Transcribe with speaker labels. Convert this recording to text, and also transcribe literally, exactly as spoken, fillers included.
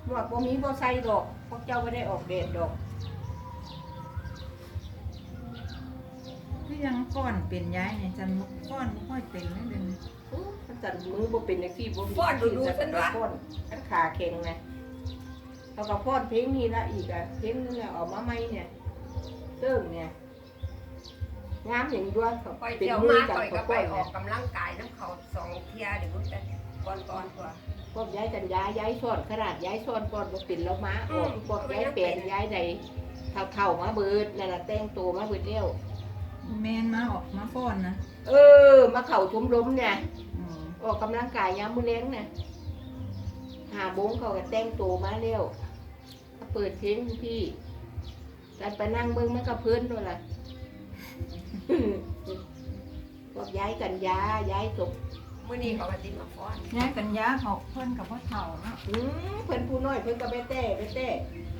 Speaker 1: หมวกบ่มีบ่ใส่ดอกพวกเจ้าไม่ได้ออกเดทดอก
Speaker 2: คือยังก้อนเป็นย้ายเนี่ยจันก้อนไม่ค่อยเป็นเลยเดี๋ยวนี้
Speaker 1: อื้อมันจันมือบ่เป็นจังซี่บ่มี
Speaker 3: ฟ้อนดูดูฉันว่า
Speaker 1: ฟ้อนอันขาแข็งไงเขาก็ฟ้อนเพลงนี้ละอีกอ่ะเพลงนึงอ่ะออกมาใหม่เนี่ยเติ้งเนี่ยงามอย่างนี้ด้วยเขา
Speaker 3: ปล่อย
Speaker 1: เป็น
Speaker 3: เที่ยว
Speaker 1: มื
Speaker 3: มา
Speaker 1: อกัน
Speaker 3: ปล่อยก็
Speaker 1: เขา
Speaker 3: ไป
Speaker 1: ฟ้อน
Speaker 3: ออ
Speaker 1: เนี่ย
Speaker 3: กกำลังกายน้ำเขาสองเที่ยเดี๋ยวมันจะก่อนก่อนกว่า
Speaker 1: พวกย้ายกันย้ายย้ายซ้อนขนาดย้ายซ้อนก่อนบ่เป็นแล้วม้าออกพวกย้ายแปลนย้ายใดเท่าๆมาเบิดนั่นน่ะแต่งตัวมาเบิดแล้ว
Speaker 2: แมนมาออกมาฟ้อนนะ
Speaker 1: เออมาเข่าชมรมเนี่ย
Speaker 2: อ๋อ
Speaker 1: ออกกำลังกายยามมื้อแลงเนี่ยหาบงเขาก็แต่งตัวมาแล้วเปิดเพลงพี่แต่ไปนั่งเบิ่งมันก็เพิ่นด้วยล่ะ พวกย้ายกันย้ายย้ายศพ
Speaker 3: มื้อนี้เขาก็สิมาฟ้อน
Speaker 2: ย้ายกันยาเขาเพิ่นกับพ่อเฒ่าเนาะ
Speaker 1: อืมเพิ่นผู้น้อยเพิ่นก็ไปแต่ไปแต่